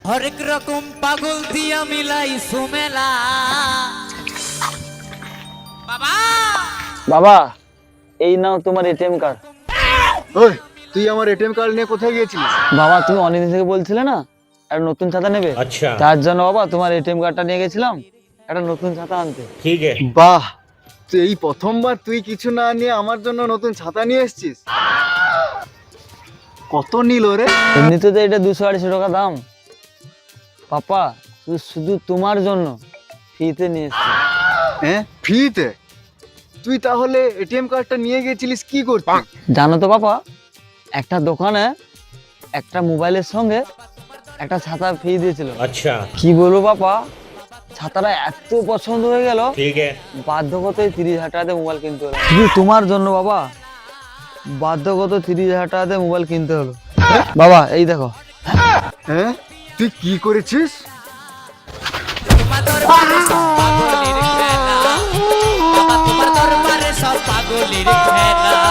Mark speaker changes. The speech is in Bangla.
Speaker 1: হরেক রকম পাগল দিয়া মিলাই সুমেলা। বাবা
Speaker 2: বাবা এই নাও তোমার এটিএম কার্ড।
Speaker 3: ওই তুই আমার এটিএম কার্ড নিয়ে কোথায় গিয়েছিলিস?
Speaker 2: বাবা তুমি অনেকদিন থেকে বলছিলে না একটা নতুন ছাতা নেবে,
Speaker 4: আচ্ছা
Speaker 2: তার জন্য বাবা তোমার এটিএম কার্ডটা নিয়ে গেছিলাম একটা নতুন ছাতা আনতে।
Speaker 4: ठीक है
Speaker 3: বাহ, তুই এই প্রথমবার তুই কিছু না নিয়ে আমার জন্য নতুন ছাতা নিয়ে এসেছিস। কত নিল রে?
Speaker 2: এমনিতে তো এটা 200-250 টাকা দাম। পাপা শুধু তোমার জন্য ফ্রিতে নিয়ে এসেছি।
Speaker 3: হ্যাঁ, ফ্রিতে? তুই তাহলে এটিএম কার্ডটা নিয়ে গেছিলিস কি করতে?
Speaker 2: জানো তো পাপা, একটা দোকানে একটা মোবাইলের সঙ্গে একটা ছাতা ফ্রি দিয়েছিল।
Speaker 4: अच्छा
Speaker 2: কি বলবো পাপা, ছাতাটা এত পছন্দ হয়ে গেল,
Speaker 4: ठीक है
Speaker 2: বাধ্যগতই 30,000 টাকাতে মোবাইল কিনতে হলো। শুধু তোমার জন্য বাবা, বাধ্যগত 30,000 টাকাতে মোবাইল কিনতে হলো। বাবা এই দেখো।
Speaker 3: হ্যাঁ, তুই কি করেছিস?
Speaker 1: তোমার দরবারে সব পাগলের খেলা। বাবা তোমার দরবারে সব পাগলের খেলা।